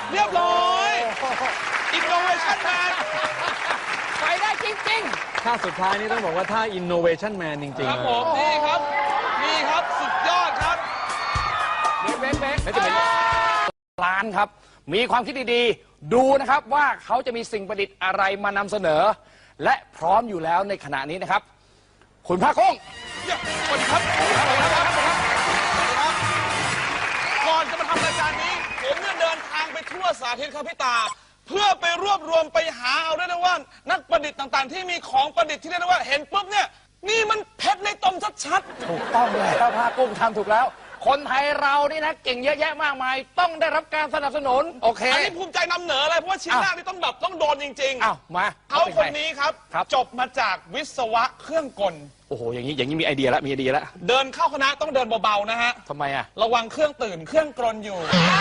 เรียบร้อย Innovation Man ไปได้จริงท่าสุดท้ายนี่ต้องบอกว่าท่า Innovation Man จริงคๆรับเลผยมนี่ครับนี่ครับสุดยอดครับๆเบ๊กแล้วจะเป็นร้านครับ มีความคิดดีๆ ดูนะครับว่าเขาจะมีสิ่งประดิษฐ์อะไรมานำเสนอ และพร้อมอยู่แล้วในขณะนี้นะครับ คุณภาคกุ้งสวัสดีครับสวัสดีครับก่อนจะมาทำรายการนี้ผมเนี่ยเดินทางไปทั่วสาธิตครับพี่ตา เพื่อไปรวบรวมไปหาเอาได้นะว่านักประดิษฐ์ต่างๆ ที่มีของประดิษฐ์ที่เรียกได้ว่าเห็นปุ๊บเนี่ยนี่มันเพชรในตมชัดถูกต้องแล้วภาคกุ้งทำถูกแล้ว คนไทยเรานี่นะเก่งเยอะแยะมากมาย ต้องได้รับการสนับสนุน โอเคๆอันนี้ภูมิใจนำเหนอเลยเพราะว่าชิ้นแรกนี่ต้องโดนจริงอ้าวมาๆเขาคนนี้ครับครับจบมาจากวิศวะเครื่องกลโอ้โหอย่างนี้มีไอเดียแล้วมีไอเดียแล้วเดินเข้าคณะต้องเดินเบาๆนะฮะทำไมอ่ะระวังเครื่องตื่นเครื่องกลอยู่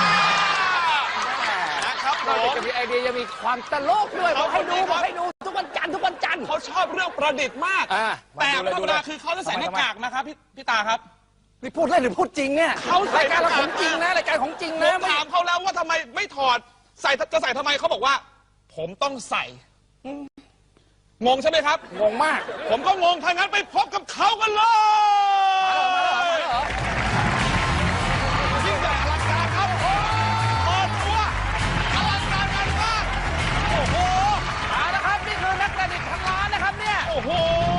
นะครับผนอกจากมจะมีไอเดียยังมีความตลกด้วยบอกให้ดูเอาคนนี้ครับบอกให้ดูทุกวันจันทร์ทุกวันจันทร์เขาชอบเรื่องประดิษฐ์มากอ่าแต่มาธรดูรมเลยดาคือเขาจะใส่หน้ากากนะครับพี่ตาครับนี่พูดเล่นหรือพูดจริงเนี่ยเขาใส่รายการเราหน้ากากของจริงนะรายการของจริงผนะมถามเขาแล้วว่าทำไมไม่ถอดจะใส่ทำไมเขาบอกว่า ผมต้องใส่งงใช่ไหมครับงงมากผมก็งงถ้างั้นไปพบกับเขากันเลยยิ่งใหญ่อลังการครับเปิดตัวอลังการงานมากโอ้โหเอาละครับนี่คือนักประดิษฐ์พันล้านนะครับเนี่ยโอ้โห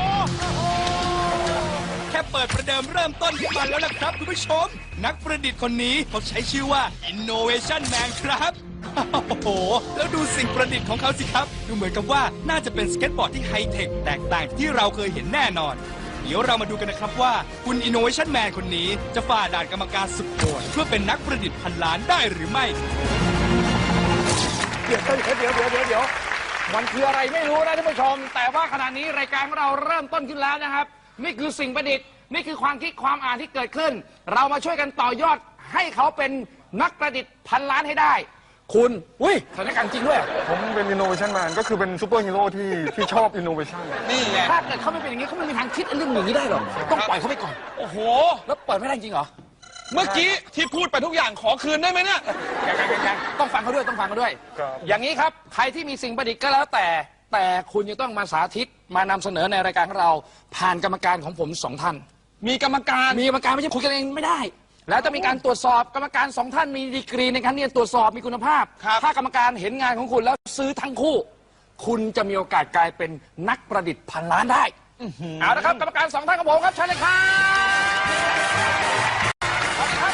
แค่เปิดประเดิมเริ่มต้นขึ้นมาแล้วนะครับคุณผู้ชม นักประดิษฐ์คนนี้เขาใช้ชื่อว่า Innovation Man ครับโอ้โห แล้วดูสิ่งประดิษฐ์ของเขาสิครับ ดูเหมือนกับว่าน่าจะเป็นสเก็ตบอร์ดที่ไฮเทคแตกต่างจากที่เราเคยเห็นแน่นอน เดี๋ยวเรามาดูกันนะครับว่าคุณ Innovation Man คนนี้จะฝ่าด่านกรรมการสุดโหดเพื่อเป็นนักประดิษฐ์พันล้านได้หรือไม่เดี๋ยวมันคืออะไรไม่รู้นะท่านผู้ชม แต่ว่าขณะนี้รายการของเราเริ่มต้นขึ้นแล้วนะครับ นี่คือสิ่งประดิษฐ์นี่คือความคิดความอ่านที่เกิดขึ้น เรามาช่วยกันต่อยอดให้เขาเป็นนักประดิษฐ์พันล้านให้ได้ คุณอุ้ยสถานการณ์จริงด้วยผมเป็น Innovation Man ก็คือเป็นซูเปอร์ฮีโร่ที่ชอบ Innovation นี่ไงถ้าเกิดเขาไม่เป็นอย่างนี้เขาไม่มีทางคิดเรื่องอย่างนี้ได้หรอกต้องปล่อยเขาไปก่อนโอ้โหแล้วเปิดไม่ได้จริงเหรอเมื่อกี้ที่พูดไปทุกอย่างขอคืนได้ไหมเนี่ยยังต้องฟังเขาด้วยต้องฟังเขาด้วยครับอย่างนี้ครับใครที่มีสิ่งประดิษฐ์ก็แล้วแต่คุณจะต้องมาสาธิตมานำเสนอในรายการของเราผ่านกรรมการของผมสองท่านมีกรรมการมีกรรมการไม่ใช่คุยกันเองไม่ได้ แล้วจะมีการตรวจสอบกรรมการสองท่านมีดีกรีในการที่จะตรวจสอบมีคุณภาพ ถ้ากรรมการเห็นงานของคุณแล้วซื้อทั้งคู่ คุณจะมีโอกาสกลายเป็นนักประดิษฐ์พันล้านได้เอาละครับกรรมการสองท่านของผมครับเชิญเลยครับเอาละ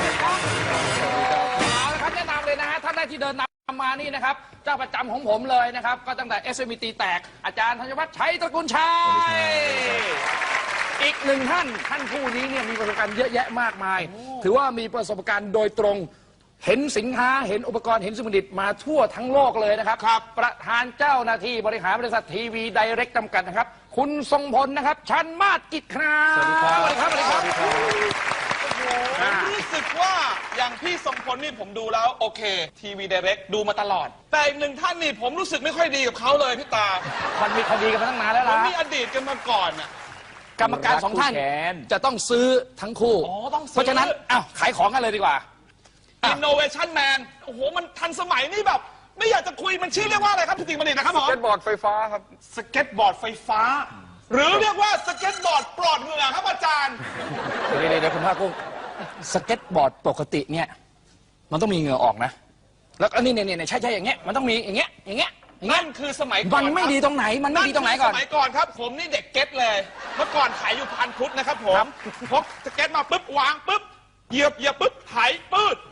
ครับแนะนำเลยนะฮะท่านแรกที่เดินนำมานี่นะครับเจ้าประจำของผมเลยนะครับก็ตั้งแต่ SMT แตกอาจารย์ธัญวัฒน์ชัยตระกูลชัย อีกหนึ่งท่านผู้นี้เนี่ยมีประสบการณ์เยอะแยะมากมาย ถือว่ามีประสบการณ์โดยตรง เห็นสินค้าเห็นอุปกรณ์เห็นสิ่งประดิษฐ์มาทั่วทั้งโลกเลยนะครับ ประธานเจ้าหน้าที่บริหารบริษัททีวีไดเรกจำกัดนะครับ คุณทรงพลนะครับชันมาศกิจครับสวัสดีครับสวัสดีครับผมรู้สึกว่าอย่างพี่ทรงพลนี่ผมดูแล้วโอเคทีวี Direct ดูมาตลอด แต่อีกหนึ่งท่านนี่ผมรู้สึกไม่ค่อยดีกับเขาเลยพี่ตามันมีคดีกันมาตั้งนานแล้วผมล่ะมีอดีตกันมาก่อนน่ะกรรมการสองท่านจะต้องซื้อทั้งคู่อ๋อต้องซื้อเพราะฉะนั้นอ้าวขายของกันเลยดีกว่า Innovation Man โอ้โหมันทันสมัยนี่แบบ ไม่อยากจะคุยมันชื่อเรียกว่าอะไรครับพี่ติ๋งบัณฑิตนะครับผมสเก็ตบอร์ดไฟฟ้าครับสเก็ตบอร์ดไฟฟ้า หรือเรียกว่าสเก็ตบอร์ดปลอดเหงื่อครับอาจารย์เดี๋ยวคุณภาคกุ้งสเก็ตบอร์ดปกติเนี่ยมันต้องมีเหงื่อออกนะ แล้วก็นี่ใช่อย่างเงี้ยมันต้องมีอย่างเงี้ยนั่นคือสมัยก่อนมันไม่ดีตรงไหนมันไม่ดีตรงไหนก่อนสมัยก่อนครับ ผมนี่เด็กเก็ตเลย เมื่อก่อนขายอยู่พันพุทธนะครับผมพกสเก็ตมาปุ๊บวางปุ๊บเหยียบปุ๊บไถปืด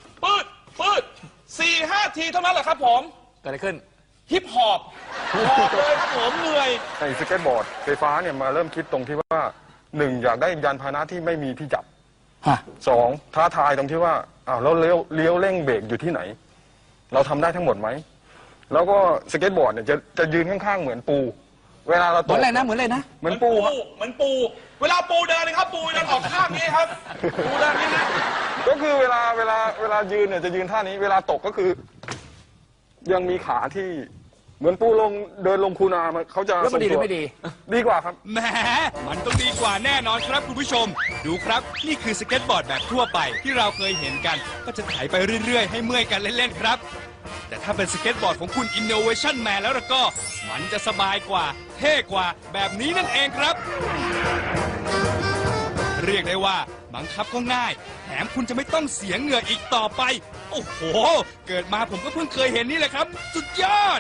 4-5 ทีเท่านั้นแหละครับผมเกิดอะไรขึ้นฮิปฮอปเลยครับผมเหนื่อยไอ้สเก็ตบอร์ดไฟฟ้าเนี่ยมาเริ่มคิดตรงที่ว่าหนึ่งอยากได้ยานพาหนะที่ไม่มีที่จับฮะสองท้าทายตรงที่ว่าอ้าวแล้วเลี้ยวเร่งเบรกอยู่ที่ไหน เราทำได้ทั้งหมดไหมแล้วก็สเก็ตบอร์ดเนี่ยจะยืนข้างๆเหมือนปู เวลาเราเหตมือก นอะไรนะเหมือนอะไรนะเหมือนปูครับเหมือนปู เวลาปูเดินนะครับ ปูเดินออกข้างนี้ครับ ปูเดินนี้นะก็คือเวลายืนเนี่ยจะยืนท่านี้ เวลาตกก็คือ ยังมีขาที่เหมือนปูเดินลงคูนาเขาจะแล้วมันดีหรือทงตัวไม่ดีดีกว่าครับแหมมันต้องดีกว่าแน่นอนครับคุณผู้ชม ดูครับ นี่คือสเก็ตบอร์ดแบบทั่วไปที่เราเคยเห็นกัน ก็จะไถไปเรื่อยๆ ให้เมื่อยกันเล่นๆครับแต่ถ้าเป็นสเก็ตบอร์ดของคุณ Innovation Man แล้วก็มันจะสบายกว่า เท่กว่าแบบนี้นั่นเองครับ เรียกได้ว่าบังคับก็ง่าย แถมคุณจะไม่ต้องเสียเหงื่ออีกต่อไป โอ้โห เกิดมาผมก็เพิ่งเคยเห็นนี่แหละครับ สุดยอด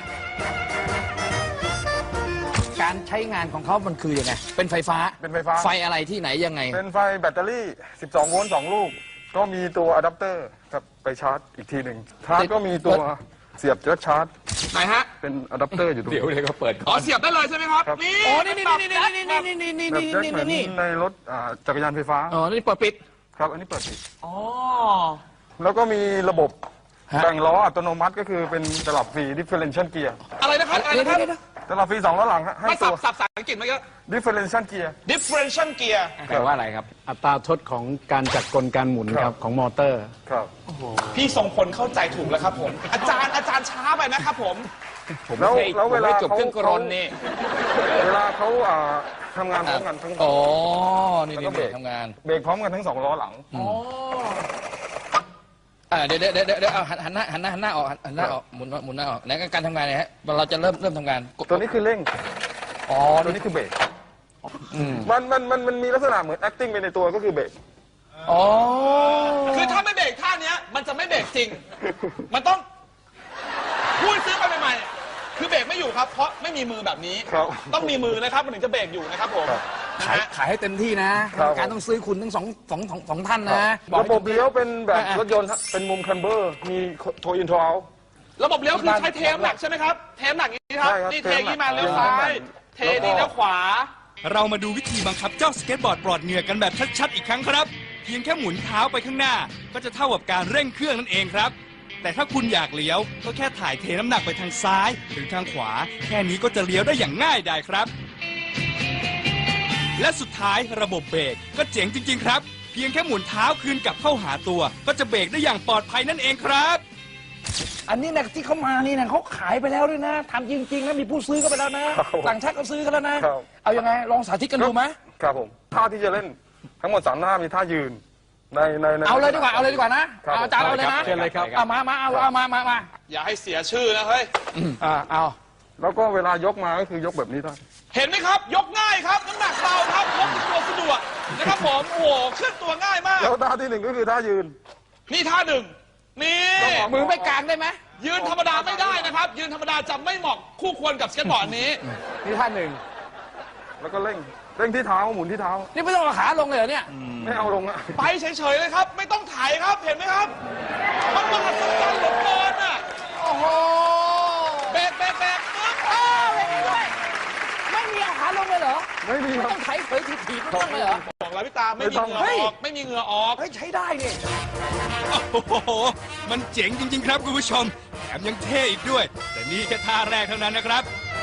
การใช้งานของเขามันคือยังไง เป็นไฟฟ้าเป็นไฟฟ้าไฟอะไรที่ไหนยังไงเป็นไฟแบตเตอรี่ 12 โวลต์ 2 ลูก ก็มีตัวอะแดปเตอร์ครับไปชาร์จอีกทีหนึ่งชาร์จก็มีตัวเสียบแจ็คชาร์จไหนฮะเป็นอะแดปเตอร์อยู่ตรงเดี๋ยวนี้เลยก็เปิดอ๋อเสียบได้เลยใช่ไหมครับครับนี่อ๋อ นี่นี่นี่นี่นี่นี่นี่นี่แบบนี่แจ็คเหมือนนี่ในรถจักรยานไฟฟ้าอ๋อ นี่เปิดปิดครับ อันนี้เปิดปิดอ๋อแล้วก็มีระบบฮะแบ่งล้ออัตโนมัติก็คือเป็นตลับฟรี differential gear อะไรนะครับอะไรนะครับตลับฟรี2ล้อหลังฮะให้มาตัสัวบภาษาอังกฤษมาเยอะ differential gear differential gear แปลว่าอะไรครับ อัตราทดของการจัดกลการหมุนคครัรับบของมอเตอร์ครับพี่ทรงพลเข้าใจถูกแล้วครับผม อาจารย์ช้าไปนะครับผมแล้วเวลาจบเครื่องกรนนี่เวลาเขาทำงานพร้อมกันทั้งอ๋อ นี่แล้วนี่ก็เบรกทำงานเบรกพร้อมกันทั้ง2ล้อหลังเดี๋ยวเอาหันหน้าออกหันหน้าออกหมุนหน้าออกไหนการทำงานเนี่ยฮะเราจะเริ่มทำงานกดตัวนี้คือเร่งอ๋อตัวนี้คือเบรกมันมีลักษณะเหมือน acting ไปในตัวก็คือเบรกอ๋อคือถ้าไม่เบรกท่าเนี้ยมันจะไม่เบรกจริง มันต้องพูดซื้อไปใหม่ๆคือเบรกไม่อยู่ครับ เพราะไม่มีมือแบบนี้ครับต้องมีมือนะครับมันถึงจะเบรกอยู่นะครับผมครับนะขายฮะขายให้เต็มที่นะครับ การต้องซื้อคุณทั้งสองท่านนะอกระบบเลี้ยวเป็นแบบอ่ะรถยนต์ฮะเป็นมุมคันเบอร์ มีโทอินโทรเอาระบบเลี้ยวคือใช้เทมหนักใช่ไหมครับ เทมหนักอย่างนี้ครับใช่ครับนี่เทอย่างนี้มาเทเลี้ยวมหนักซ้าย เทนี่เลี้ยวขวาเรามาดูวิธีบังคับเจ้าสเก็ตบอร์ดปลอดเหงื่อกันแบบชัดๆอีกครั้งครับ เพียงแค่หมุนเท้าไปข้างหน้า ก็จะเท่ากับการเร่งเครื่องนั่นเองครับ แต่ถ้าคุณอยากเลี้ยวก็แค่ถ่ายเทน้ำหนักไปทางซ้ายหรือทางขวา แค่นี้ก็จะเลี้ยวได้อย่างง่ายดายครับ และสุดท้ายระบบเบรกก็เจ๋งจริง ๆ ครับ เพียงแค่หมุนเท้าคืนกลับเข้าหาตัว ก็จะเบรกได้อย่างปลอดภัยนั่นเองครับอันนี้นะที่เขามานี่นะเขาขายไปแล้วด้วยนะทำจริงๆนะมีผู้ซื้อก็ไปแล้วนะครับผมต่างชาติก็ซื้อกันแล้วนะครับเอายังไงลองสาธิตกันดูไหมครับผม ท่าที่จะเล่นทั้งหมด3ท่ามีท่ายืน ในเอาเลยดีกว่านะครับ เอาอาจารย์เอาเลยนะเชิญเลยครับเอามาอย่าให้เสียชื่อนะเฮ้ยเอาแล้วก็เวลายกมาก็คือยกแบบนี้ได้เห็นไหมครับ ยกง่ายครับ น้ำหนักเบาครับพกติดตัวสะดวกนะครับผม โอ้โหเคลื่อนตัวง่ายมากแล้วท่าที่1ก็คือท่ายืนนี่ท่าหนึ่ง นี่มือไม่กลางได้ไหมยืนธรรมดาไม่ได้นะครับ ยืนธรรมดาจะไม่เหมาะคู่ควรกับสเก็ตบอร์ดนี้นี่ท่านหนึ่งแล้วก็เร่งที่เท้าหมุนที่เท้านี่ไม่ต้องเอาขาลงเลยเหรอเนี่ยไม่เอาลงอะไปเฉยๆเลยครับ ไม่ต้องถ่ายครับ เห็นไหมครับ มันมหัศจรรย์เหลือเกินอ่ะโอ้โหแบกปึ๊บไม่มีด้วยไม่มีเอาขาลงเลยเหรอไม่มีไม่ครับต้องไถเผยถีบไม่ต้องเลยเหรอบอกแล้วพี่ตาไม่มีเหงื่อเฮ้ยออก ไม่มีเหงื่อออกเฮ้ยใช้ได้เนี่ยโอ้โห มันเจ๋งจริง ๆ ครับคุณผู้ชม แถมยังเท่อีกด้วย แต่นี่แค่ท่าแรกเท่านั้นนะครับ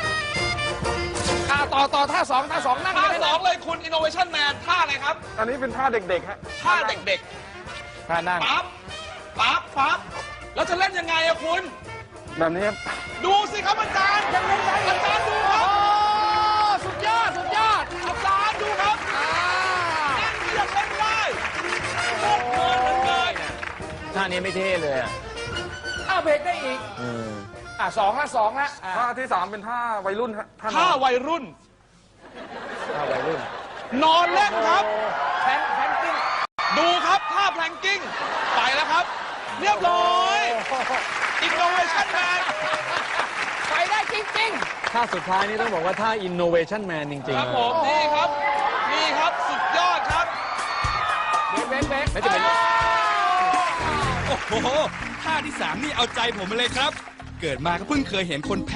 ต่อท่าสองนั่งท่าได้สองเลยคุณ Innovation Man ท่าอะไรครับอันนี้เป็นท่าเด็กๆฮะท่าเด็กท่านั่งๆ ปั๊บ แล้วจะเล่นยังไงอะคุณแบบนี้ครับดูสิครับอาจารย์ยังเล่นได้อาจารย์ดูครับโอ้สุดยอดอาจารย์ดูครับนั่งเรียกเล่นได้โคตรเพลินเหลือเกินท่านี้ไม่เท่เลยอะเบรกได้อีกสองละท่าที่3เป็นท่าวัยรุ่นฮะท่านท่าอนวัยรุ่นท่าวัยรุ่นนอนเล่นครับแพนกิ้งดูครับท่าแพลงกิ้ง ไปแล้วครับ เรียบร้อย Innovation Man ไปได้จริงท่าสุดท้ายนี่ต้องบอกว่าท่า innovation man จริงคๆรับนะผมนี่ครับ นี่ครับสุดยอดครับๆเบรกไม่จะเป็นโอ้โห ท่าที่ 3 นี่เอาใจผมมาเลยครับ เกิดมาก็เพิ่งเคยเห็นคน